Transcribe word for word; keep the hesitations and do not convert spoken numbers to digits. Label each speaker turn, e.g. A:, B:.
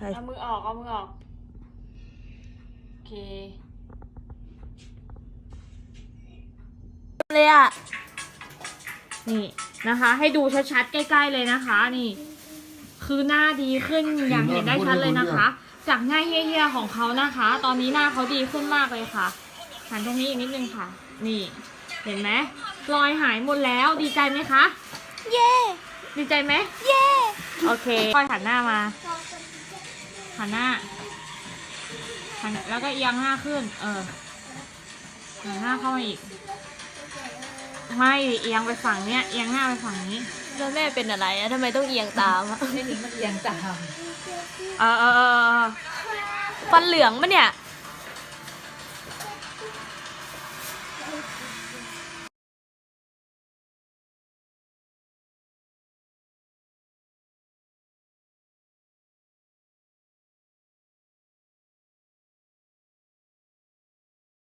A: เอามือออกเอามือออกโอเคเลยอ่ะนี่นะคะ ให้ดูชัดๆใกล้ๆเลยนะคะ นี่ คือหน้าดีขึ้นอย่างเห็นได้ชัดเลยนะคะ จากหน้าเฮี้ยๆของเขานะคะ ตอนนี้หน้าเขาดีขึ้นมากเลยค่ะหันตรงนี้อีกนิดนึงค่ะ นี่ เห็นไหมรอยหายหมดแล้วดีใจไหมคะเย่ดีใจไหมเย่โอเคค่อยหันหน้ามาหันหน้าหันแล้วก็เอียงหน้าขึ้นเออหันหน้าเข้ามาอีกไม่เอียงไปฝั่งเนี้ยเอียงหน้าไปฝั่งนี้แล้วแม่เป็นอะไรอะทำไมต้องเอียงตามอะ
B: ไม่ถึงมันเอียงตาม
A: เออเออเออ
C: ฟันเหลืองปะเนี่ย